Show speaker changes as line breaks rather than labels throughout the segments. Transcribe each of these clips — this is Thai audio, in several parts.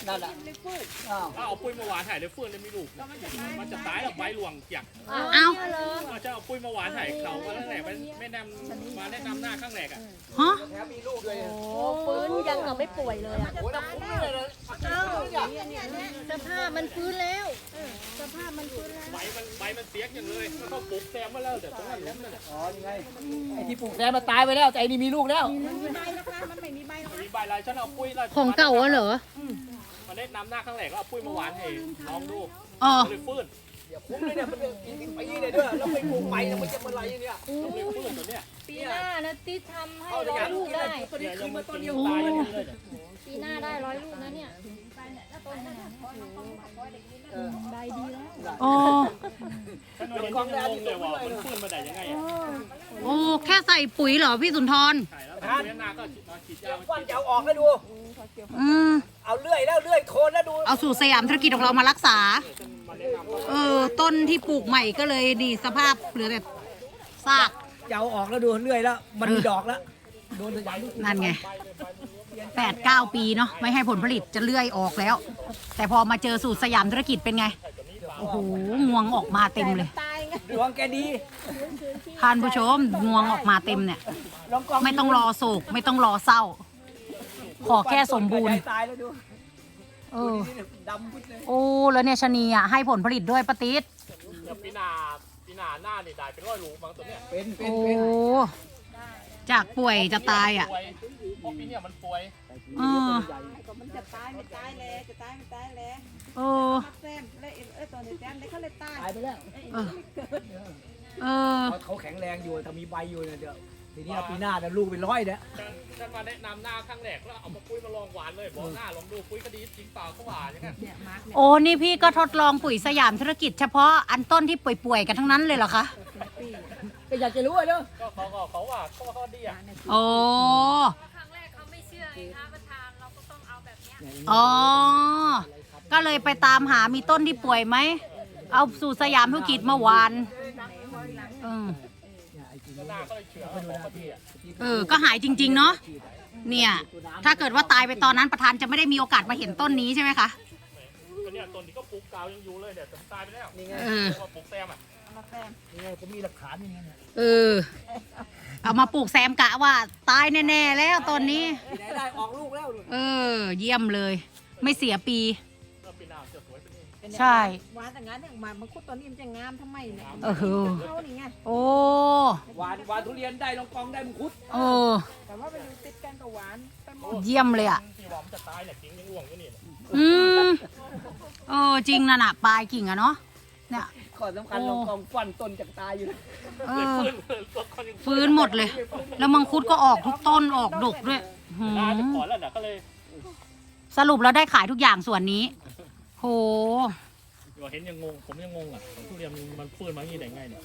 นั่นแหละ
ถ้าเอาปุ้ยมาหวานถ่ายเลยเฟื่องเลยมีลูกมันจะตายแล้วใบหลวงอยาก
เอา
เราจะเอาปุ้ยมาหวานถ่ายเขาก็ตั้งแต่ไม่นำมาแนะนำหน้าข้างแรกอ่ะ
ฮะ
แถมมีลูกด้วย
โอ้ฟื้นยังกับไม่ป่วยเลยอ่ะ
โอ้ยน้ำคุ้มเลย
สภาพมันฟื้นแล้วสภาพมันฟื้นแล้ว
ใบมันเสียอย่างเลยมันต้องปลูกแซมมาแล้วแต่ตรงนั้นล้มนั่นแหละ
อ๋อนี่ไงไอ้ที่ปลูกแซมมันตายไปแล้วแต่ไอ้นี่มีลูกแล้ว
มีใบนะคะมันไม่มีใบหรอก
มีใบลายฉันเอาปุ้ย
ของเก่าอะเหรอ
มาแนะนำหน้าข้างแรกก็เอาปุ้ยมาหวานให้น้องดู
อ๋อ
เลยฟื้น
อย่าคุ้มเลยเนี่ยมันกินปีเลยด้วยแล้วไปปลูกใหม่มันจะมาอะไรเนี่ย
เลยฟื้นตัวเนี้ย
ปีหน้านะที่ทำให้100 ลูกได้
ตัวนี้คือมาต้นเดียว
ตายเลย
ปีหน้าได้100 ลูกนะเนี่ยใบดีแล้ว
โอ้
ฉันเห็นที่งงเลยว่ามันฟื้นมาได้ยังไงอ่ะ
โอ้แค่ใส่ปุ๋ยเหรอพี่สุนทร
ใช่แล้วปุ้ยหน้าก็ฉีดยา
ควันจะเอาออกแล้วดู
อืม
เอาเลื่อยแล้วเลื่อยโคนแล้วดู
เอาสูตรสยามธุรกิจของเรามารักษา ต้นที่ปลูกใหม่ก็เลยดีสภาพเหลือแต่ซาก
จะเอาออกแล้วดูเลื่อยแล้วมันมีดอกแล้วโดนสยาม
นั่นไง8-9 ปีเนาะไม่ให้ผลผลิตจะเลื่อยออกแล้ว แต่พอมาเจอสูตรสยามธุรกิจเป็นไง โอ้โหงวงออกมาเต็มเลย
ตายไง
ดวงแกดี
ท่านผู้ชมงวงออกมาเต็มเนี่ย
ลองกอง
ไม่ต้องรอโศกไม่ต้องรอเศร้า ขอแค่สมบูรณ์
ตายแล้วดู
เออ
ดำพุดเลย
โอ้แล้วเนี่ยชะนีอ่ะให้ผลผลิตด้วยปะติด
ปีหน้าหน้านี่ได้เป็น100 ลูกบางตัวเนี้ย
เป็น
โอ้จากป่วยจะตายอ่ะ
ป่วยเพราะปีเนี้ยมันป่วย
เออ
มันจะตายไม่ตายแล้วจะตายไม่ตายแล้ว
เออ
แซมแล้วตอนนี้แซมได้เขาเลยตาย
ตายไปแล้ว
เออ
เขาแข็งแรงอยู่ถ้ามีใบอยู่เนี่ยเดี๋ยวทีนี้ปีหน้าเนี่ยลูกเป็น100เนี่ย
ฉันมาแนะนำหน้าข้างแรกแล้วเอามาปุ้ยมาลองหวานเลยบอกหน้าลองดูปุ้ยก็ดีจริงเปล่าเขาหวานอย่างเงี้ย
โอ้นี่พี่ก็ทดลองปุ๋ยสยามธุรกิจเฉพาะอันต้นที่ป่วยๆกันทั้งนั้นเลยเหรอคะ
ก็อยากจะรู้อ่ะเนอะ
ก็เขาว่าเขาดีอ่ะ
โอ้
ครั้งแรกเขาไม่เชื่อไงคะประธานเราก็ต้องเอาแบบเนี้ย
อ๋อก็เลยไปตามหามีต้นที่ป่วยไหมเอาสูตรสยามธุรกิจมาหวาน
หน้าก็เลยเชื่อว่าเขาดีอ่ะ
ก็หายจริงๆเนาะเนี่ยถ้าเกิดว่าตายไปตอนนั้นประธานจะไม่ได้มีโอกาสมาเห็นต้นนี้ใช่ไหมคะ
ก็เนี่ยต้นนี้ก็ปลูกกาวยังอยู่เลยเนี่ยแต่ตายไปแล้ว
นี่ไง
ว่าปลูกแซมอ่ะ
นี่ไงผมมีหลักฐานอย่างเงี้ยเนี่ย
เอามาปลูกแซมกะว่าตายแน่ๆแล้วตอนนี้
ที่ไหนได้ออกลูกแล้วดู
เยี่ยมเลย ไม่เสียปี
ก็ปีหน้าจะสวยเป็น
ใช่
หวานแต่งงานเนี่ยมามังคุดตอนนี้มันจะงามทำไมเนี่ย เขานี่ไง
โอ้
หวานทุเรียนได้ลองกองได้มังคุด
แต่ว่าไปดูติดกันกับหวานไปหมด
เยี่ยมเลยอ่ะ
ที่ว่ามันจะตายเนี่ยจริงยังห่วงอยู่นี่
อืมจริงนะน่ะปลายกิ่งอะเนาะเนี่ย
ข้อสำคัญลองกองฟันต้นจากตายอยู่นะ
ฟื้นหมดเลย แล้วมังคุดก็ออกทุกต้นออกดกด้วย
น่าจะขอแล้วเนี่ยก็เลย
สรุปแล้วได้ขายทุกอย่างส่วนนี้ โห
เห็นยังงงผมยังงงอ่ะทุเรียนมันฟื้นมาอย่างนี้ได้ไงเนี่ย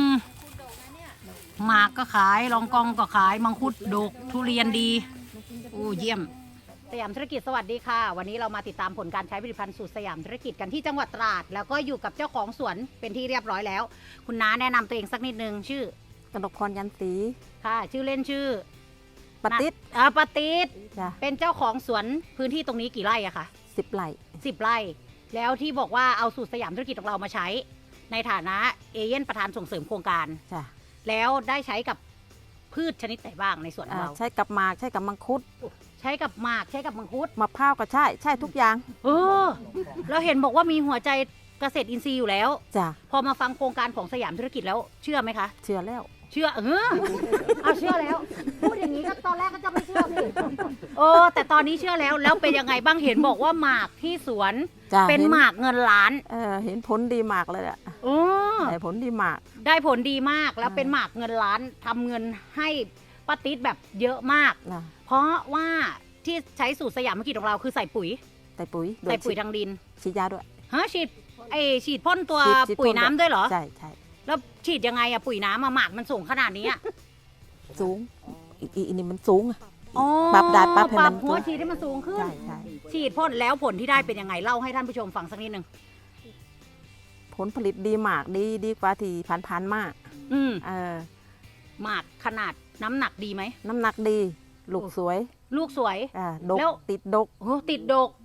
หมากก็ขายรองกองก็ขายมังคุดดกทุเรียนดีโอ้เยี่ยมสยามธุรกิจสวัสดีค่ะ วันนี้เรามาติดตามผลการใช้ผลิตภัณฑ์สูตรสยามธุรกิจกันที่จังหวัดตราดแล้วก็อยู่กับเจ้าของสวนเป็นที่เรียบร้อยแล้ว คุณน้าแนะนำตัวเองสักนิดนึงชื่อก
นกพรยันตี
ค่ะ ชื่อเล่นชื่อ
ปฏิษ
ปฏิษ
จ้ะ
เป็นเจ้าของสวนพื้นที่ตรงนี้กี่ไร่อะคะ
10 ไร่
10 ไร่ แล้วที่บอกว่าเอาสูตรสยามธุรกิจของเรามาใช้ ในฐานะเอเย่นประธานส่งเสริมโครงการ
จ้ะ
แล้วได้ใช้กับพืชชนิดไหนบ้างในสวนของเรา
ใช้กับหมากใช้กับมังคุด
ใช้กับหมากใช้กับมังคุด
มะพร้าวก็ใช่ทุกอย่าง
เราเห็นบอกว่ามีหัวใจเกษตรอินทรีย์อยู่แล้ว
จ้ะ
พอมาฟังโครงการของสยามธุรกิจแล้วเชื่อไหมคะ
เชื่อแล้ว
เชื่อเอาเชื่อแล้ว พูดอย่างนี้ก็ตอนแรกก็จะไม่เชื่อพี่แต่ตอนนี้เชื่อแล้วเป็นยังไงบ้างเห็นบอกว่าหมากที่สวน
จ้ะ
เป็นหมากเงินล้าน
เห็นผลดีมากเลยอะ
โอ้
ได้ผลดีมาก
ได้ผลดีมากแล้วเป็นหมากเงินล้านทำเงินให้ป้าติ๊ดแบบเยอะมาก
นะ
เพราะว่าที่ใช้สูตรสยามธุรกิจของเราคือใส่ปุ๋ย
ใส่ปุ๋ย
ใส่ปุ๋ยทางดิน
ฉีดยาด้วย
ฉีดพ่นตัว
ฉีด
ปุ๋ยน้ำด้วยเหรอ
ใช่
แล้วฉีดยังไงอะปุ๋ยน้ำอะหมากมันสูงขนาดนี้อะ
สูงอีนี่มันสูงอะ
อ๋อ
ปรับได้ปรับให้
ป
มั
รับ
น
หัวฉีดให้มันสูงขึ้น
ใช่
ฉีดพ่นแล้วผลที่ได้เป็นยังไงเล่าให้ท่านผู้ชมฟังสักนิดนึง
ผลผลิตดีมากดีกว่าที่ผ่านๆมาก
อืม
ห
มากขนาดน้ำหนักดีไหม
น้ำหนักดี ลูกสวย
ลูกสวย
ดก
แล้ว
ติดดก
โอ้ติดดก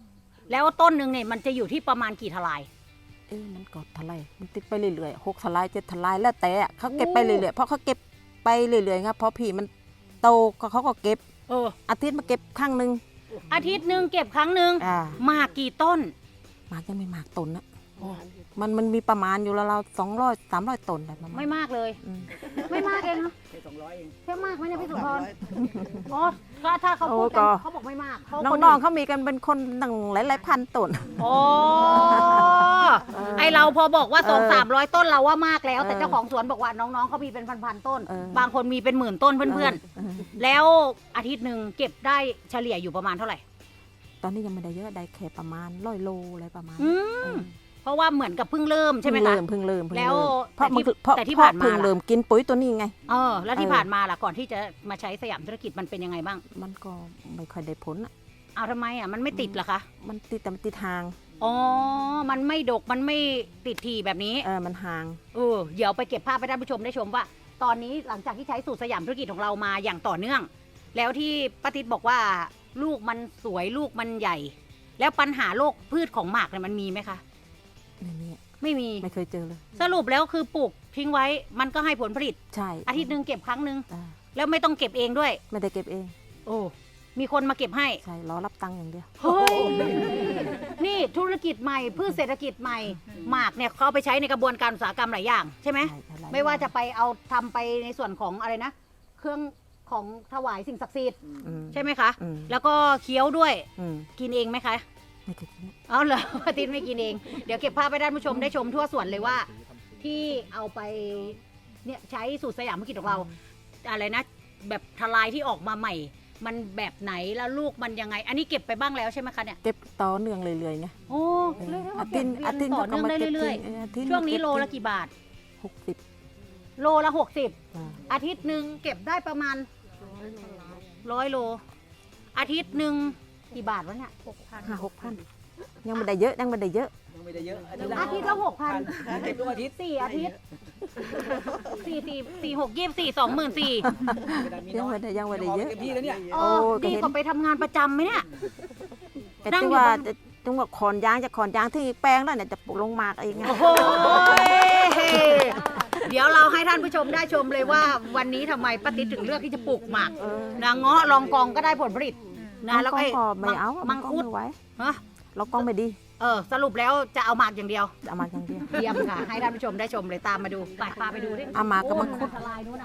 แล้วต้นหนึ่งเนี่ยมันจะอยู่ที่ประมาณกี่ทลาย
มันก็ทลายมันติดไปเรื่อยๆ6 ทลาย7 ทลายแล้วแต่เขาเก็บไปเรื่อยๆเพราะเขาเก็บไปเรื่อยๆครับพอผีมันโตก็เขาก็เก็บ อาทิตย์มาเก็บครั้งหนึ่ง
อาทิตย์หนึ่งเก็บครั้งหนึ่ง หมากกี่ต้น
หมากยังไม่หมากต้นนะมันมีประมาณอยู่แล้วเรา200-300 ต้นได้ประมาณ
ไม่มากเลย ไม่มากเองเนาะ
แค่200เอง
แค่มากไหมเนี่ยพี่สุพรอ๋อก็ถ้าเขาพูดกันเขาบอกไม่มากเขาคน
น้องๆเขามีกันเป็นคนตั้งหลายๆพันต้น
โอ้ไอเราพอบอกว่า200-300 ต้นเราว่ามากแล้ว แต่เจ้าของสวนบอกว่าน้องๆเขามีเป็นพันๆต้น บางคนมีเป็นหมื่นต้นเพื่อนๆแล้วอาทิตย์หนึ่งเก็บได้เฉลี่ยอยู่ประมาณเท่าไหร่
ตอนนี้ยังไม่ได้เยอะได้แค่ประมาณ100 โลอะไรประมาณ
เพราะว่าเหมือนกับเพิ่งเริ่มใช่ไหมคะ
เพิ่งเริ่ม
แล้ว
เพราะ
แต่ที่ผ่านมา
เพิ่งเริ่มกินปุ๋ยตัวนี้ไง
แล้วที่ผ่านมาล่ะก่อนที่จะมาใช้สยามธุรกิจมันเป็นยังไงบ้าง
มันก็ไม่ค่อยได้ผลอ่ะ
เอาทำไมอ่ะมันไม่ติดเหรอคะ
มันติดแต่มันติดทาง
อ๋อมันไม่ดกมันไม่ติดทีแบบนี้
มันห่าง
เดี๋ยวไปเก็บภาพให้ท่านผู้ชมได้ชมว่า ตอนนี้หลังจากที่ใช้สูตรสยามธุรกิจของเรามาอย่างต่อเนื่อง แล้วที่ป้าติ๊ดบอกว่าลูกมันสวยลูกมันใหญ่ แล้วปัญหาโรคพืชของหมากเนี่ยมันมีไหมคะ ไม่มี
ไม่เคยเจอเลย
สรุปแล้วคือปลูกทิ้งไว้มันก็ให้ผลผลิต
ใช่
อาทิตย์หนึ่งเก็บครั้งหนึ่งแล้วไม่ต้องเก็บเองด้วย
ไม่ได้เก็บเอง
โอ้มีคนมาเก็บให้
ใช่รอรับตังค์อย่างเดียว
เฮ้ยนี่ธุรกิจใหม่พืชเศรษฐกิจใหม่หมากเนี่ยเขาเอาไปใช้ในกระบวนการอุตสาหกรรมหลายอย่างใช่ไหม ไม่ว่าจะไปเอาทำไปในส่วนของอะไรนะ เครื่องของถวายสิ่งศักดิ์สิทธิ์ใช่ไหมคะ แล้วก็เคี้ยวด้วยกินเองไหมคะ
ไม่เคยกิน
เอาเหรออาทิตย์ไม่กินเอง เดี๋ยวเก็บภาพไปด้านผู้ชมได้ชมทั่วสวนเลยว่า ที่เอาไปเนี่ยใช้สูตรสยามธุรกิจของเรา อะไรนะ แบบทลายที่ออกมาใหม่ มันแบบไหนแล้วลูกมันยังไง อันนี้เก็บไปบ้างแล้วใช่ไหมคะเนี่ย
เก็บต่อเนื่องเรื่อยๆไง
โอ้เรื่อยๆ
อาทิตย์
เก็บต่อเนื่องได้เรื่อยๆช่วงนี้โลละกี่บาท
60
โลละ60อาทิตย์หนึ่งเก็บได้ประมาณ100 โล อาทิตย์หนึ่งกี่บาทวะเนี่ย
6,000ยังไม่ได้เยอะยังไม่ได้เยอะ
ยังไม่ได้เยอะ
อาทิตย์ละ6,000
เก็บทุกอาทิตย์
4 อาทิตย์4 6 24 24
ยังไม่ได้เยอะ
เต็มที่แล้วเนี่ย
โอ้ดีกว่าไปทำงานประจำไหมเนี่ย
แต่
นั่ง
จั
อง ยู่
ว่า
บ้าน
จังว่าขอนยางที่แปลงแล้วเนี่ยจะปลูกลงหมากเองไง
โอ้โหเดี๋ยวเราให้ท่านผู้ชมได้ชมเลยว่าวันนี้ทำไมป้าติ๊ดถึงเลือกที่จะปลูกหมากนางเงาะลองกองก็ได้ผลผลิตนะแล้วก็
ก็ไม่เอา
มังคุด
ไม่ไหว
ฮะ
เรากล้องไม่ดี
สรุปแล้วจะเอาหมากอย่างเดียว
เอามาอย่างเดียว
เยี่ยมค่ะ ให้ท่านผู้ชมได้ชมเลยตามมาดูไปพาไปดูดิ
เอาหมากกับมังคุด
ทลายนู้นน่ะ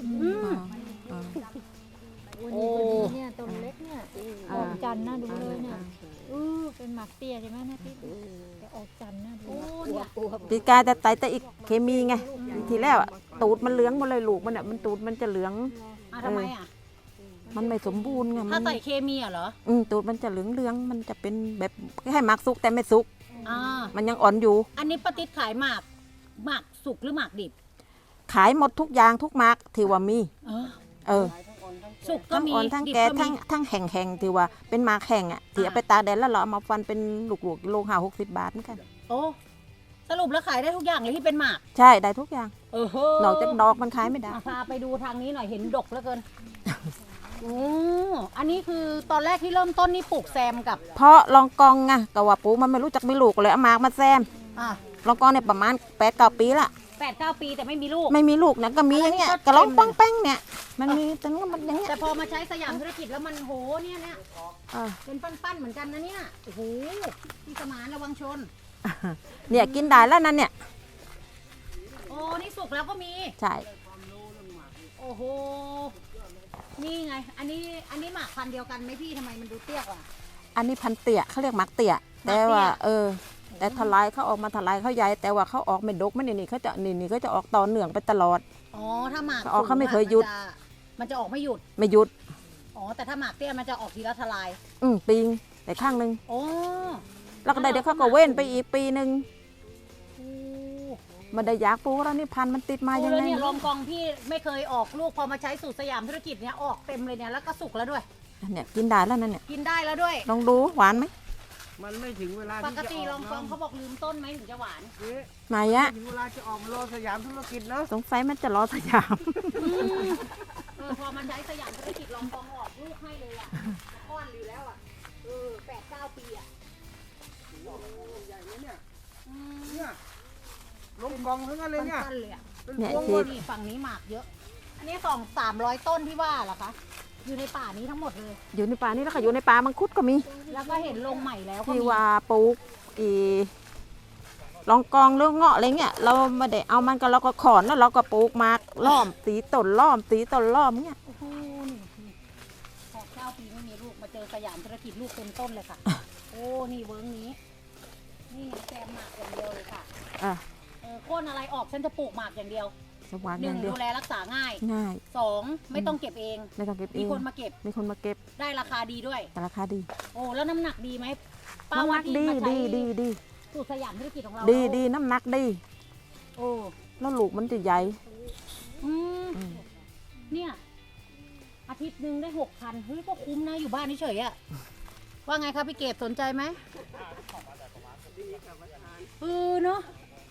โอ้เนี่ยต้นเล็กเนี่ยออกจันทร์น่าดูเลยเนี่ยเป็นหมากเตี้ยใช่ไหมนะพี่แต่ออกจันทร์น่าดู
ปีกายแต่ไตแต่อีกเคมีไงทีแรกอะตูดมันเหลืองหมดเลยลูกมันอะมันตูดมันจะเหลือง
ทำไมอ่ะ
มันไม่สมบูรณ์ไง
ถ้าใส่เคมีอ่ะเหรอ
ตูดมันจะเหลืองมันจะเป็นแบบให้หมากสุกแต่ไม่สุก
อ่า
มันยังอ่อนอยู่
อันนี้ป้าติ๊ดขายหมากสุกหรือหมากดิบ
ขายหมดทุกอย่างทุกหมากที่ว่ามี
สุกก็
ทั้ง
มี
อ่อนทั้ง
ดิบ
แก่
ก็มี
ทั้งแห้งๆที่ว่าเป็นหมากแห้งอ่ะที่เอาไปตากแดดแล้วเราเอามาฟันเป็นลูกๆโล50 บาทเหมือนกัน
โอ้สรุปแล้วขายได้ทุกอย่างเลยที่เป็นหมาก
ใช่ได้ทุกอย่าง
โห
นอกจากดอกมันขายไม่ได้
พาไปดูทางนี้หน่อยเห็นดกเหลือเกินโอ้อันนี้คือตอนแรกที่เริ่มต้นนี่ปลูกแซมกับ
เพราะลองกองไงก็ว่าปูมันไม่รู้จักมีลูกเลยเอาหมากมาแซม
อ่ะ
ลองกองเนี่ยประมาณ8-9 ปีละ
8-9 ปีแต่ไม่มีลูก
ไม่มีลูกนะก็มีอย่างเงี้ยกระลองป้องแป้งเนี่ยมันมีแต่ก็มันอย่างเงี้ย
แต่พอมาใช้สยามธุรกิจแล้วมันโหเนี่ย
อ่า
เป็นปั้นๆเหมือนกันนะเนี่ยโอ้โหพี่สมานระวังชน
เนี่ยกินได้แล้วนั่นเนี่ย
โอ้นี่สุกแล้วก็มี
ใช่
โอ้โหนี่ไง อันนี้หมากพันธุ์เดียวกันไหมพี่ทำไมมันดูเตี้ยกว่า
อันนี้พันเตี่ยเขาเรียกหมากเตี่ยแต่ว่าแต่ทลายเขาออกมาทลายเขาใหญ่แต่ว่าเขาออกไม่ดกไม่นี่เขาจะนี่เขาจะออกต่อเนื่องไปตลอด
อ๋อถ้าหมาก
เขาไม่เคยหยุด
มันจะออกไม่หยุด
ไม่หยุด
อ๋อแต่ถ้าหมากเตี้ยมันจะออกทีละทลาย
ปิงแต่ข้างหนึง
โอ้
แล้วก็ได้เดี๋ยวเขาก็เว้นไปอีกปีหนึ่งมันได้อยากปลูกแล้วนี่พันธุ์มันติดมายัง
แล้ว
ไง
เนี่ยลองกองพี่ไม่เคยออกลูกพอมาใช้สูตรสยามธุรกิจเนี่ยออกเต็มเลยเนี่ยแล้วก็สุกแล้วด้วย
เนี่ยกินได้แล้วนั่นเนี่ย
กินได้แล้วด้วย
ลองดูหวานไหม
มันไม่ถึงเวลา
ป
ที่
ก
จะ
ติ
อ
ล
อ
อก งกองเขาบอกลืมต้นไหมถึงจะหวาน
ไหนอะ
ถึงเวลาจะออกมาโลสยามธุรกิจเนาะ
สงสัยมันจะรอสยาม
พอมันใช้สยามธุรกิจลองกองออกลูกให้เลยอ่ะก้อนอยู่แล้วอ่ะ8-9 ปีอ่ะ
ใหญ่เลยเนี่ยเนี่ยลงกองทั้งนั้นเลยเนี่ย
สั้นๆเลยอะ
เป็น
เนี่ย
พวง
ที่
หมด
นี่ฝั่งนี้หมากเยอะ อันนี้300 ต้นที่ว่าเหรอคะ อยู่ในป่านี้ทั้งหมดเลย
อยู่ในป่านี่แล้วก็อยู่ในป่ามังคุดก็มี
แล้วก็เห็นลงใหม่แล้วก็
ที่
มี
ว่าปลูกลองกองหรือเงาะอะไรเงี้ยเราไม่ได้เอามันก็เราก็ขอนแล้วเราก็ปลูกหมากล้อมตีต้นล้อมตีต้นล้อมเงี้ย
โอ้โหนี่พอ9 ปีไม่มีลูกมาเจอสยามธุรกิจลูกเต็มต้นเลยค่ะ โอ้นี่เวิร์กนี้ นี่แซมหมากอย่างเดียวเลยค่ะ
อ่ะ
โค่นอะไรออกฉันจะปลูกหมากอย่างเดียว
สว่าง
ห
อ
นึ่
ย่าง งเดียว
ดูแลรักษาง่าย
ง่าย
2ไม่ต้องเก็บเอง
ไม่ต้องเก็บเอ
มี
ง
คนมาเก็บ
มีคนมาเก็บ
ได้ราคาดีด้วย
แต่ราคาดี
โอ้แล้วน้ำหนักดีไหมป้า
น้ำห
ว่า
นัก
ที่
ดี
มาใช้
ดี
สูตรสยามธุรกิจของเรา
ดีน้ำหนักดี
โอ้
แล้วลูกมันจะใหญ่
อืม
อืม
เนี่ยอาทิตย์หนึ่งได้6,000เฮ้ยก็คุ้มนะอยู่บ้านเฉยๆอะว่าไงครับพี่เกดสนใจไหมเนาะ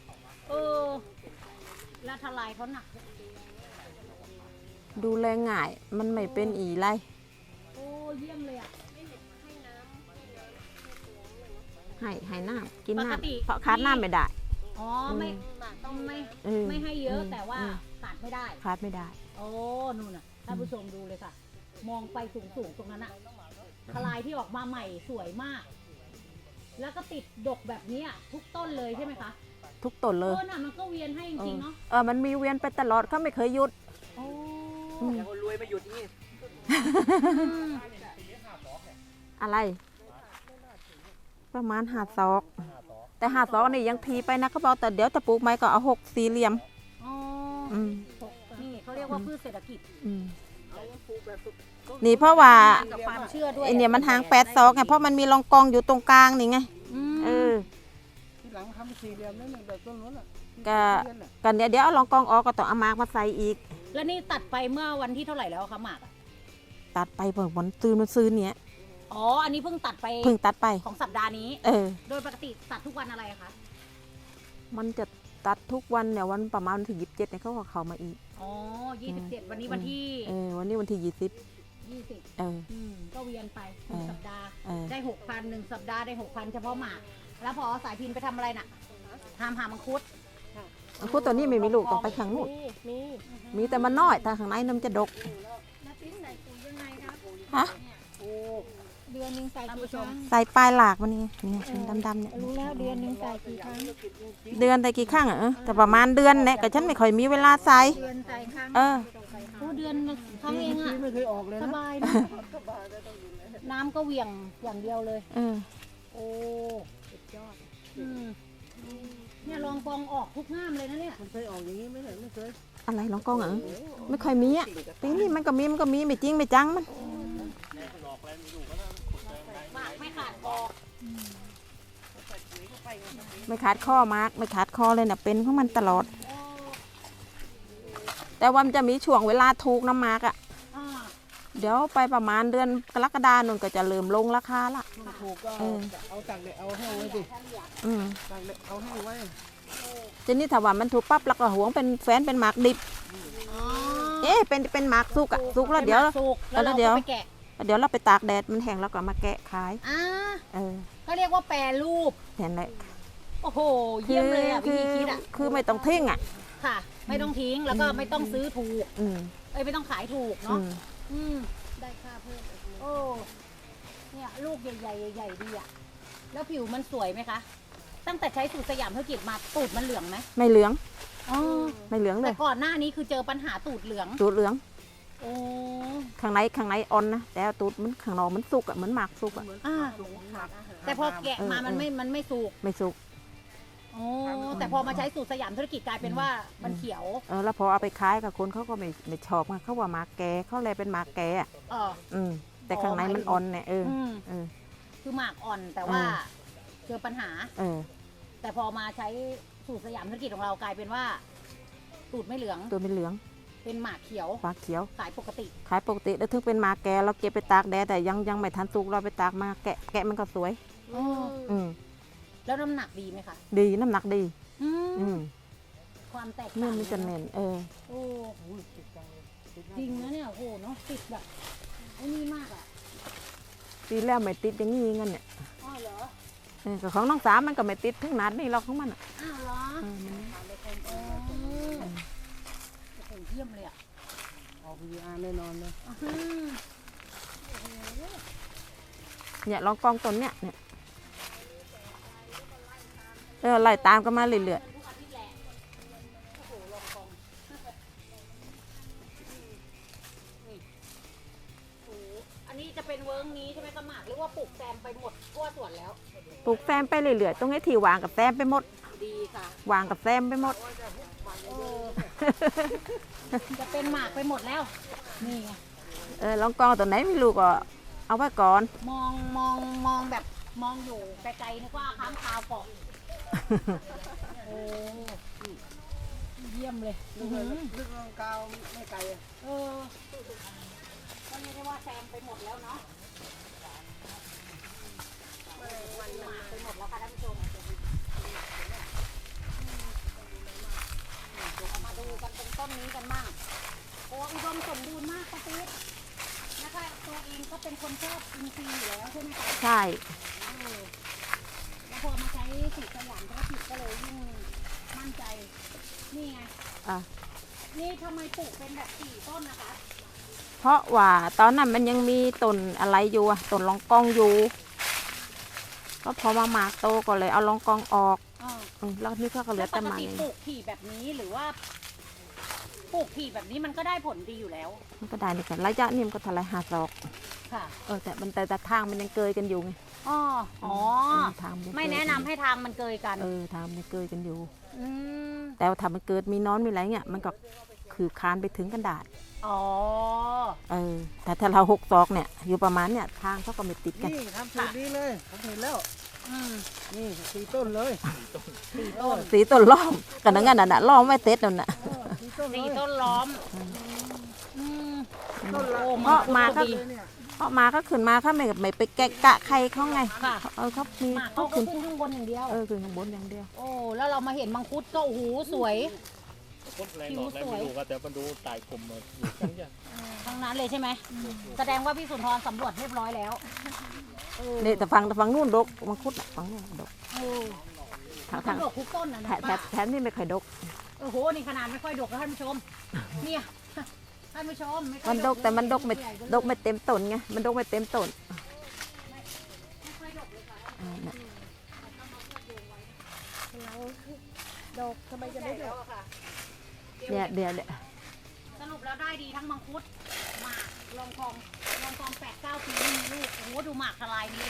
แล้วทลายเขาหนัก
ดูแลง่ายมันไม่เป็นอีไร
โอ้เยี่ยมเลยอะ
ให้น้ำกิน
ปกติ
น้ำเพราะขาดน้ำไม่ได้
อ๋อไม่ต้องไม่
เออ
ไม่ให้เยอะ
อืม
แต่ว่า
อืม
ขาดไม่ได้
ขาดไม่ได้
โอ้นู่นน่ะท่านผู้ชมดูเลยค่ะ มองไปสูงๆตรงนั้นอะทลายที่ออกมาใหม่สวยมาก แล้วก็ติดดกแบบนี้อะทุกต้นเลยใช่ไหมคะ
ทุกต้นเลย
น่ะมันก็เวียนให้จริงๆเนาะ
มันมีเวียนไปตลอดเขาไม่เคยหยุด
โอ้
อย่างคนรวยมาหยุดนี่
อะไร ประมาณ5 ศอกแต่5 ศอกนี่ยังทีไปนะเขาบอกแต่เดี๋ยวจะปลูกไม้ก็เอา6 สี่เหลี่ยม
อ๋อ
อืม
นี่เขาเรียกว่าพืชเศรษฐกิจ
อืมนี่เพราะว่า
กับความเชื่อด้วย
ไอเนี่ยมันห่าง8 ศอกไงเพราะมันมีรองกองอยู่ตรงกลางนี่ไง
ม
เออ
ทีหลังทำสี่เหลี่ยมนั่นน่ะแบบต้นนู้นอ่ะ
ก็
เรียนน่ะ
กันเดี๋ยวเอารองกองออกก็ต้องเอามากมาใส่อีก
แล้วนี่ตัดไปเมื่อวันที่เท่าไหร่แล้วคะหมากอะ
ตัดไปเปิดวันตื่นมันซื้อเนี่ย
อ๋อ อันนี้เพิ่งตัดไป
เพิ่งตัดไป
ของสัปดาห์นี้
เออ
โดยปกติตัดทุกวันอะไรอะคะ
มันจะตัดทุกวันเนี่ยวันประมาณวันที่27เนี่ยเขาก็เข้ามาอีก
อ๋อ27วันนี้วันที่
วันนี้วันที่20
20
เออ
ก็เวียนไปห
เอ
นึ่ง
อ
สัปดาห์
เออ
ได้ 6,000 1 สัปดาห์ได้ 6,000 เฉพาะหมาก แล้วพอสายพินไปทำอะไรน่ะหามังคุด
มังคุดตัวนี้ไม่มีลูกต้องไปข้างนู้นมีแต่มันน้อยแต่ข้างในน้ำจะดก
แล้วปิ้นใส่ปุ๋ยยังไงครับ
ฮะ
เดือนหนึ่งใส่กี่ครั้ง
ใส่ปลายหลากมันนี่นี่ดำๆเนี่ย
รู้แล้วเดือนหนึ่งใส่กี่ครั้ง
เดือนแต่กี่ครั้งอ่ะแต่ประมาณเดือนเนี่ยก็ฉันไม่ค่อยมีเวลาใส่
เดือนใส่ครั้ง
เออ
โอ้เดือนละครั้งเองอะ
ไม่เคยออกเลย
ส
นะ
บายนะน้ำก็เหวี่ยงอย่างเดียวเลย
เออ
โอ้สุดยอดเนี่ยลองกองออกทุกง่ามเลยนะเนี่ย
มันเคยออกอย่างนี้ไหมเนี่ยไม่เคย
อะไรน้องกล้องอ่ะไม่ค่อยมีอ่ะปีนี้มันก็มีไม่จริงไม่จังมัน
หมากไม่ขาดคอ
ไม่ขาดข้อมากไม่ขาดคอเลยเนี่ยเป็นของมันตลอด แต่ว่ามันจะมีช่วงเวลาถูกน้ำมากอ่ะ
อ่า
เดี๋ยวไปประมาณเดือนกรกฎาคมนนก็จะเริ่มลงราคาละ
ถูกก็
เออ
เอาตากแดดเอาแห้งไว้สิ
อืม
ตากแดดเอาแห้งไว้
ทีนี้ถ้าว่ามันถูกปั๊บแล้วก็หวงเป็นแฟนเป็นหมากดิบ
อ๋อ
เป็นหมากสุกอ่ะสุกแล้วเดี๋ยว
สุกแล้วเรา
เดี๋ยว
ก็ไปแกะ
เดี๋ยวเราไปตากแดดมันแห้งแล้วก็มาแกะขาย
อ่า
เออ
ก็เรียกว่าแปรรูป
เห็นไหม
โอ้โห เยี่ยมเลยอ่ะวิธีคิดอ่ะ
คือไม่ต้องทิ้งอ่ะ
ค่ะ ไม่ต้องทิ้งแล้วก็ไม่ต้องซื้อถูก
อืม
ไม่ต้องขายถูก
อื
เนาะ
ม
อืมได้ค่าเพิ่มโอ้เนี่ยลูกใหญ่ๆใหญ่ๆดีอ่ะแล้วผิวมันสวยไหมคะ ตั้งแต่ใช้สูตรสยามธุรกิจมาตูดมันเหลืองไหม
ไม่เหลือง
อ๋อ
ไม่เหลืองเล
แต่
ย
ก่อนหน้านี้คือเจอปัญหาตูดเหลือง
ตูดเหลือง
โอ้
ข้างในอ่อนนะแต่ตูดมันข้างนอกมันสุกอ่ะเหมือนหมากสุกอ่ะ
อ่าแต่พอแกะมามันไม่สุก
ไม่สุก
โอ้แต่พอมาใช้สูตรสยามธุรกิจกลายเป็นว่ามันเขียว
แล้วพอเอาไปขายกับคนเขาก็ไม่ชอบไงเขาว่าหมากแกเขาเลยเป็นหมากแกอ่ะ
เออ
แต่ข้างในมันอ่อนเนี่ย
อืม
เออ
คือหมากอ่อนแต่ว่า
เออ
เจอปัญหา
เออ
แต่พอมาใช้สูตรสยามธุรกิจของเรากลายเป็นว่าตูดไม่เหลือง
ตัวเป็นเหลือง
เป็นหมากเขียว
หมากเขียว
ขายปกติ
ขายปกติแล้วถึงเป็นหมากแกเราเก็บไปตากแดดแต่ยังไม่ทันสุกเราไปตากมาแกะมันก็สวย อืม
แล้วน้ำหนักดีไหมคะ
ดีน้ำหนักดี
อืมความแตก
เนื้
ต่า
อง มันจะเน่น
โอ้จริงนะเนี่ยโอ้โหเนาะติดแบบไอ้นี่มากอ่ะ
ปีแล้วไม่ติดอย่างนี้งั้นเนี่ย
อ๋อเหรอ
ก็ของน้องสามมันก็ไม่ติดถึงนัดนี่หรอกของมันอะ
อ้าวเหรอ
เออมัน
โอ้โหเยี่ยมเลยอ่ะ
ออก VR แน่นอนเลย
เนี่ยลองกองต้นเนี่ยไล่ตามกันมาเรื่อย
อันนี้จะเป็นเวิร์กนี้ใช่ไหมกระหมากหรือว่าปลูกแซมไปหมดทั่วสวนแล้ว
ๆปลูกแซมไปเรื่อยๆตรงนี้ที่วางกับแซมไปหมด
ดีค่ะ
วางกับแซมไปหมด
จะเป็นหมากไปหมดแล้ว นี่ไง
ลองกองตัวไหนไม่รู้ก็เอาไว้ก่อน
มองแบบมองอยู่ไกลๆนึกว่าค้างคาวเกาะโอ้เยี่ยมเลย
ลึกลงกาวไม่ไกลอะ
เออก็ไม่ได้ว่าแซมไปหมดแล้วเนาะหมากไปหมดแล้วค่ะท่านผู้ชมเดี๋ยวเรามาดูกันเป็นต้นนี้กันมั่งโอ้อุดมสมบูรณ์มากป้าติ๊กนะคะตัวเองก็เป็นคนชอบอินทรีย์อยู่แล้วใช่ไหมคะ
ใช่
แล้วพอมาใช้สูตรสยามธุรกิจก็เลยยิ่งมั่นใจ นี่ไง
อ่ะ
นี่ทำไมปลูกเป็นแบบ4ต้นนะคะ
เพราะว่าตอนนั้นมันยังมีต้นอะไรอยู่อะต้นลองกองอยู่ ก็พอมาหมากโตก็เลยเอาลองกองออกแล้วนี่เขาก็เหลื
แล้
อ
วป
แต่
ก
หมาก
ติ
อย่าง
ปลู
นี้
กถี่แบบนี้หรือว่าปลูกถี่แบบนี้มันก็ได้ผลดีอยู่แล้ว
มันก็ได้นี่กันระยะนี่มันก็ทลาย5 ศอก
ค่ะ
แต่ทางมันยังเกยกันอยู่ไง
อ๋อ
ทางยังเกย
ไม่แนะนำให้ทางมันเกยกัน
ทางมันยังเกยกันอยู่
อืม
แต่ว่าถ้ามันเกิดมีน้อนมีอะไรเงี้ยมันก็คือคานไปถึงกันดาษ
อ๋อ
แต่ถ้าเรา6 ศอกเนี่ยอยู่ประมาณเนี่ยทางเขาก็ไม่ติดกัน
นี่ทำสูตรนี้เลยผมเห็นแล้ว
อืม
นี่4 ต้นเลย 4 ต้น
สีต้นล้อมกันนั่นน่ะล้อมไม่เต็ดนั่นน่ะ
4 ต้นเลย
4 ต้นล้อมอืม
ต้นละ
โอ้
เพราะมาก็
ดี
เนี่ย
เพราะมาก็ขึ้นมาเขาไม่ไปแกะกะใครเขาไง
ค่ะ
เขามี
หมาก
เขา
เขาก็
ขึ้น
ขึ้นข้างบนอย่างเดียว
ขึ้นข้างบนอย่างเดียว
โอ้ แล้วเรามาเห็นมังคุดก็โอ้โหสวย
คนแรงหลอดแรงไม่รู้ก็แต่มันดูตายคมมาอยู่กันอย่าง
ทั้งนั้นเลยใช่ไหม แสดงว่าพี่สุนทรสำรวจเรียบร้อยแล้วเออ
นี่แต่ฝั่งนู่นดกมังคุดน่ะฝั่งนู่นดก
เออ
ทาง
สำรวจทุกต้นนะ
แถมนี่ไม่ค่อยดก
โอ้โห นี่ขนาดไม่ค่อยดกแล้วท่านผู้ชม เนี่ยท่านผู้ชมไค่
มั
อย
นดกแต่มันดกไม่เต็มต้นไงมันดกไม่เต็มต้น
ไม่ค่อยดกเลยค่ะ
น่ะ
ดอกทำไมจะไม่ดอก
ค่ะ
เดี๋ยว
สรุปแล้วได้ดีทั้งมังคุดหมากลองกอง8-9 ปีไม่มีลูกโอ้โหดูหมากทลายนี่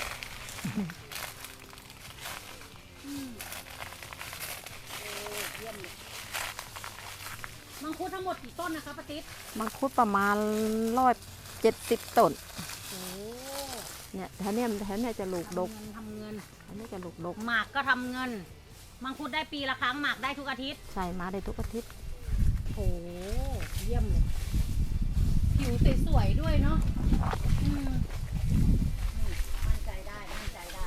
อืมโอ้เยี่ยมเลยมังคุดทั้งหมดกี่ต้นนะคะป้าติ๊ด
มังคุดประมาณ170 ต้น
โอ้
เนี่ยแถวเนี้ยจะลูกดก
ทำเงิน
อันนี้จะลูกดก
หมากก็ทำเงิน มังคุดได้ปีละครั้งหมากได้ทุกอาทิตย์
ใช่มาได้ทุกอาทิตย์
โอ้เยี่ยมเลย ผิวสวยๆด้วยเนาะอืมมั่นใจได้ มั่นใจได้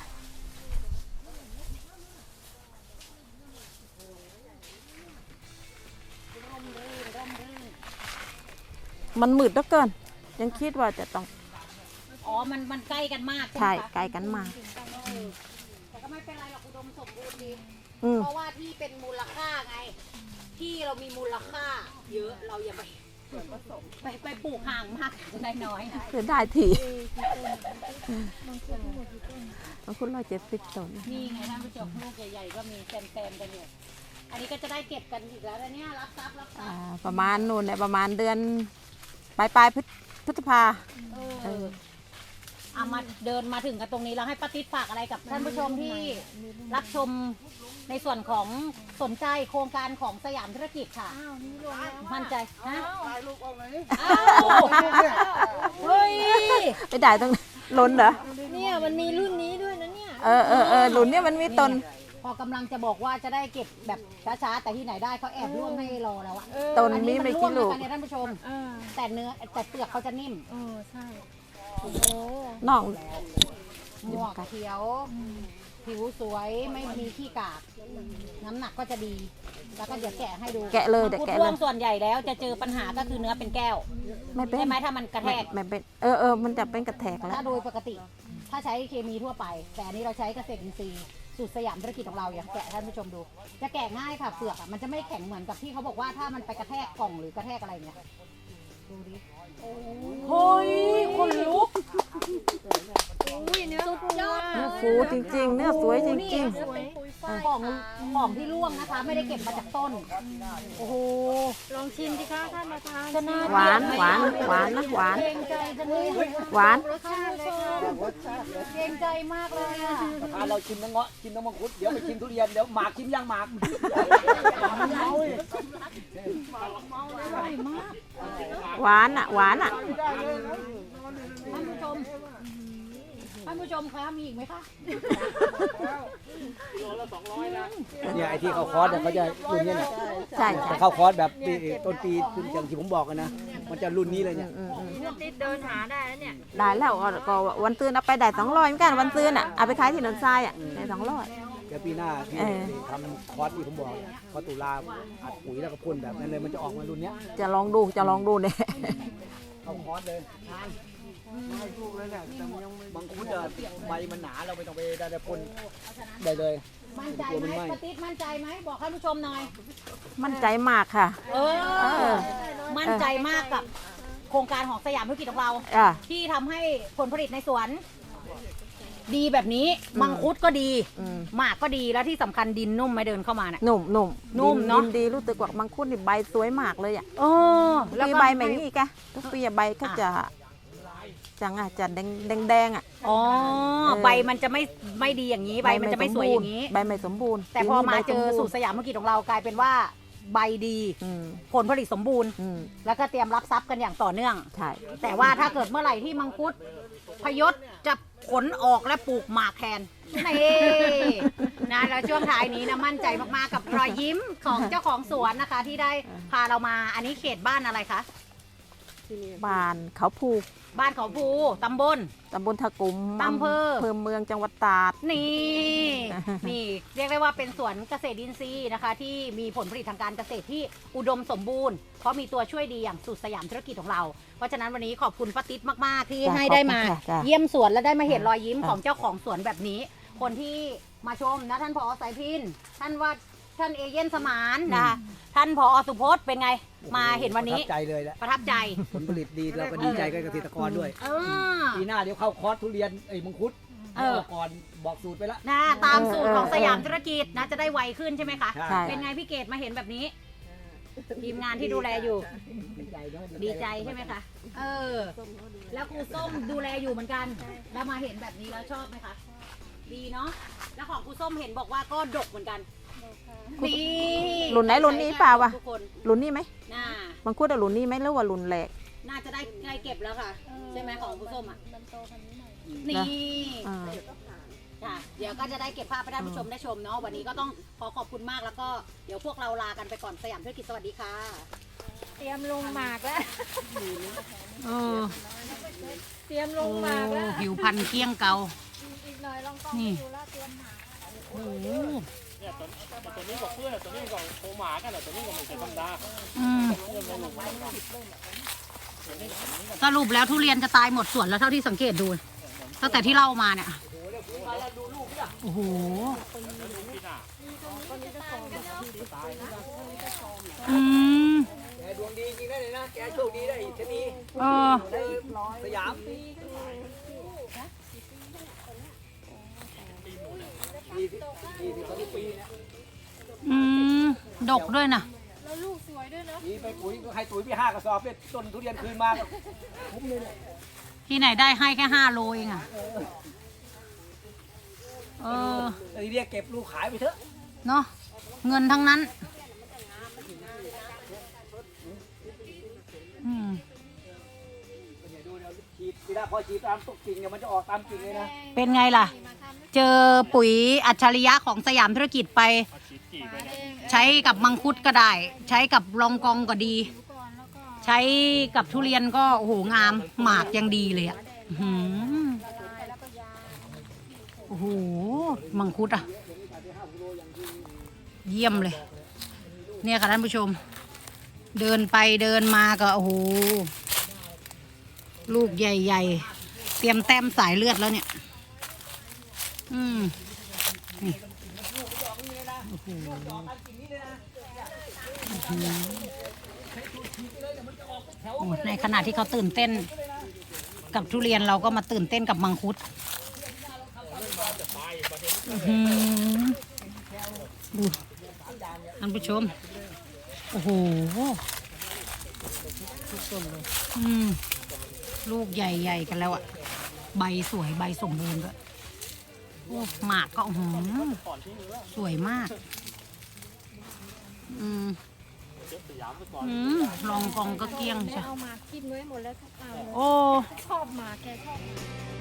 ร่มรื่นร่มรื่น
มันมืดเหลือเกิน ยังคิดว่าจะต้อง
อ๋อ มันใกล้กันมาก
ใช่
ไหมคะ
ไกลกันมาก
เออแต่ก็ไม่เป็นไรหรอกอุดมสมบูรณ์ดี
อืม
เพราะว่าที่เป็นมูลค่าไง ที่เรามีมูลค่า เยอะเราอย่าไปปลูกห่างมากได้น้อย
เสียได้ทีมังคุด170 ต้น
นี่ไงท่านผู้ชมลูกใหญ่ๆก็มีแซมๆกันอยู่อันนี้ก็จะได้เก็บกันอีกแล้วนะเนี่ยรับทรัพย์
ประมาณนู่นเนี่ยประมาณเดือนปลายพฤษภา
เออเอามาเดินมาถึงกันตรงนี้แล้วให้ป้าติ๊ดฝากอะไรกับท่านผู้ชมที่รับชมในส่วนของสนใจโครงการของสยามธุรกิจค่ะ
อ้าวนี่รวมแล้ว
มั่นใจฮะ
ถ่ายรูปเอาไหน
อ้าวเฮ้ย
ไปได้ตรงล้นเหรอ
เนี่ยมันมีรุ่นนี้ด้วยนะเนี่ย
หลุนเนี่ยมันมีต้น
พอกำลังจะบอกว่าจะได้เก็บแบบช้าๆแต่ที่ไหนได้เขาแอบร่วงให้รอแล้วอะ
ต้น
อัน
มี
นี้มัน
ไม่
ร่ว
กี่
ง
ลู
นะ
ก
คะเนี่ยท่านผู้ชม แต่เปลือกเขาจะนิ่ม
ใช่โอ้โห
น้อง
หมวกเขียว ผิวสวยไม่มีขี้กาก น้ำหนักก็จะดี แล้วก็เดี๋ยวแกะให้ดู
แกะเลย
มั
เดี๋ยว
งคุด
แกะ
ร่
เล
วย งส่วนใหญ่แล้วจะเจอปัญหาก็คือเนื้อเป็นแก้ว
ไม่เป็น
ใช่ไหมถ้ามันกระแทก
ไม่เป็นมันจะเป็นกระแทกแล้ว
ถ้าโดยปกติ ถถ้าใช้เคมีทั่วไป แต่อันนี้เราใช้เกษตรอินทรีย์สูตรสยามธุรกิจของเราอย่างแกะท่านผู้ชมดู จะแกะง่ายค่ะเปลือกอะมันจะไม่แข็งเหมือนกับที่เขาบอกว่าถ้ามันไปกระแทกกล่องหรือกระแทกอะไรเนี่ยดูดิโอ้ยคนลุก
อุ้ยเนื้อสุดยอด
เนื้อฟูจริงๆ เนื้อสวยจริง
สวย
ของที่ร่วงนะคะ ไม่ได้เก็บมาจากต้น โอ้โห
ลองชิมสิคะท่านประธาน
จะน่า
ๆ หวานหวานหวานนะหวาน
เกรงใจจังเลย
หวาน
รสชาติเลยค่ะ
เกรงใจมากเลยอะ
พาเราชิมน้ำเงาะชิมน้ำมังคุดเดี๋ยวไปชิมทุเรียนเดี๋ยวหมากชิมย่างหมากมันเมาเลย
อร่อยมาก
หวานอ่ะหวานอ่ะ
ท่านผู้ชมท่านผู้ชมคะมีอีกไหมคะ
โลละ200นะ
เนี่ยไอ้ที่เข้าคอร์สเนี่ยเขาจะรุ่นนี้เนี่ย
ใช่
แต่เข้าคอร์สแบบต้นปีอย่างที่ผมบอกกันนะมันจะรุ่นนี้เลยเนี่ย
ติดเดินหาได้แล้วเนี่ย
ได้แล้วก็วันตื่นเอาไปได้200เหมือนกันวันตื่นอ่ะเอาไปขายที่หนองทรายอ่ะได้200
เดี๋ยวปีหน้าที่ทำคอร์สที่ผมบอกพอตุลาอัดปุ๋ยแล้วก็พ่นแบบนั้นเลยมันจะออกมารุ่นเนี้ย
จะลองดูเนี่ย
เข้าคอร์สเลยบางคุดใบมันหนาเราไม่ต้องไปได้พ่นได้เลย
มั่นใจไหมปาติ๊ดมั่นใจไหมบอกท่านผู้ชมหน่อย
มั่นใจมากค่ะ
เออ มั่นใจมากกับโครงการของสยามธุรกิจของเรา
อ่ะ
ที่ทำให้ผลผลิตในสวน ดีแบบนี้ มังคุดก็ดี
อืม
หมากก็ดีแล้วที่สำคัญดินนุ่มไหม่เดินเข้ามาเนี่ย
นุ่ม
นุ่มเนอะ
ดิดีรู้สึกว่ามังคุดนี่ใบสวยมากเลยอ่ะ
เออแล้ว
ปี
ก็
ใบแบบนี้แกทุกปีใบก็จะจะแดงอ่ะ
อ๋อ
เออ
ใบมันจะไม่ดีอย่างนี้ใบมันจะไม่สวยอย่างนี้
ใบไม่สมบูรณ์
แต่พอมาเจอสูตร
ร
สยามธุรกิจของเรากลายเป็นว่าใบดี
อืม
ผลผลิตสมบูรณ์
อืม
แล้วก็เตรียมรับทรัพย์กันอย่างต่อเนื่อง
ใช่
แต่ว่าถ้าเกิดเมื่อไหร่ที่มังคุดพยศจะขนออกและปลูกหมากแทนนี่นะแล้วช่วงท้ายนี้นะมั่นใจมากๆกับรอยยิ้มของเจ้าของสวนนะคะ ที่ได้พาเรามาอันนี้เขตบ้านอะไรคะ
บ้านเขาภู
บ้านเขาภูตำบล
ตำบลทะกุม
อำเภอ
เมืองจังหวัดตราด
นี่ นี่เรียกได้ว่าเป็นสวนเกษตรอินทรีย์นะคะ ที่มีผลผลิตทางการเกษตรที่อุดมสมบูรณ์เพราะมีตัวช่วยดีอย่างสูตรสยามธุรกิจของเรา เพราะฉะนั้นวันนี้ขอบคุณป้าติ๊ดมากๆที่
จ้ะ
ให้ได้มา
ขอบคุณค่ะจ้ะ
เยี่ยมสวนและได้มาเห็นรอยยิ้ม
จ้ะ
ของเจ้าของสวนแบบนี้ คนที่มาชมนะท่านผอสายพินท่านว่าท่านเอเย่นสมานนะคะท่านผอสุพจน์เป็นไงมาเห็นวันนี้
ประทับใจเลยแหละ
ประทับใจ
ผลผลิตดีเราก็ดีใจกับเกษตรกรด้วย
เออ
ปีหน้าเดี๋ยวเข้าคอร์สทุเรียนมังคุด
เออ
ก่อนบอกสูตรไปแล้ว
นะตามสูตรของสยามธุรกิจนะจะได้ไวขึ้นใช่ไหมคะ
ใช่
เป็นไงพี่เกดมาเห็นแบบนี้ ทีมงานที่ดูแลอยู่
ดีใจเนอะ
ดีใจใช่ไหมคะ เออ แล้วครูส้มดูแลอยู่เหมือนกัน แล้วมาเห็นแบบนี้แล้วชอบไหมคะ ดีเนาะ แล้วของครูส้มเห็นบอกว่าก็ดกเหมือนกัน นี่
รุ่นไหนรุ่นนี้เปล่าวะ
ทุกคน
รุ่นนี้ไหม
น่า
มังคุดอะรุ่นนี้ไหมหรือว่ารุ่นแรก
น่าจะได้ใกล้เก็บแล้วค่ะ ใช่ไหมของครูส้มอ่ะ
มันโตพันนี้หน่อย
นี่
อ่า
ค่ะเดี๋ยวก็จะได้เก็บภาพให้ท่านผู้ชมได้ชมเนาะ วันนี้ก็ต้องขอบคุณมากแล้วก็เดี๋ยวพวกเราลากันไปก่อนสยามธุรกิจสวัสดีค่ะ
เตรียมลงหมากแล้ว
เออ
เตรียมลงหมากแล้ว
ผิวพันธุ์เกลี้ยงเกา
อีกหน่อยลองกล้อง
นี่
ดูแล้วเตรียมหมาก
โอ้โห
เนี่ยตัวนี้ก็เพื่อนตัวนี้ก็โคหมากันแหละตัวนี้ก็ไม่ใช่ธรรมดา
อืม
เพื่อนไม่ลงมา
สรุปแล้วทุเรียนจะตายหมดสวนแล้วเท่าที่สังเกตดู ตั้งแต่ที่เล่ามาเนี่ย โอ้โห อืม
แกดวงดีจริงได้เลยนะ แกโชคดีได้ชะนี
เออ
ได้สยาม ปีเนี่ย
อืม ดกด้วยนะ
แล้วลูกสวยด้วยเนาะ
ปีไปปุ๋ยก็ให้ปุ๋ยไป5 กระสอบเนี่ยต้นทุเรียนคืนมาก็คุ้มเลยเนี่ย
ที่ไหนได้ให้แค่5 โลเองอ่ะ เออ
ไอ้เรียกเก็บลูกขายไปเถอะ
เนาะ เงินทั้งนั้น อืม
เนี่ยดูเดี๋ยวฉีดทีละพอฉีดตามตุกกิ่งเนี่ยมันจะออกตามกิ่งเลยนะ
เป็นไงล่ะ เจอปุ๋ยอัจฉริยะของสยามธุรกิจไป ใช้กับมังคุดก็ได้ ใช้กับรองกองก็ดี ใช้กับทุเรียนก็โอ้โหงามหมากยังดีเลยอ่ะอื้อหือโอ้โหมังคุดอ่ะ เยี่ยมเลย เนี่ยค่ะท่านผู้ชม เดินไปเดินมาก็โอ้โหลูกใหญ่ๆ เตรียมแต้มสายเลือดแล้วเนี่ยนี่โอ้โหในขณะที่เขาตื่นเต้นกับทุเรียนเราก็มาตื่นเต้นกับมังคุดดูท่านผู้ชมโอ้โหลูกใหญ่ๆกันแล้วอ่ะใบสวยใบสมบูรณ์ด้วยโอ้หมากก็สวยมากลองกองก็เกลี้ยง
ได้
ใช่
เอามากินไว้หมดแล้วทุกอันเลย
โอ้
ชอบหมาแกชอบ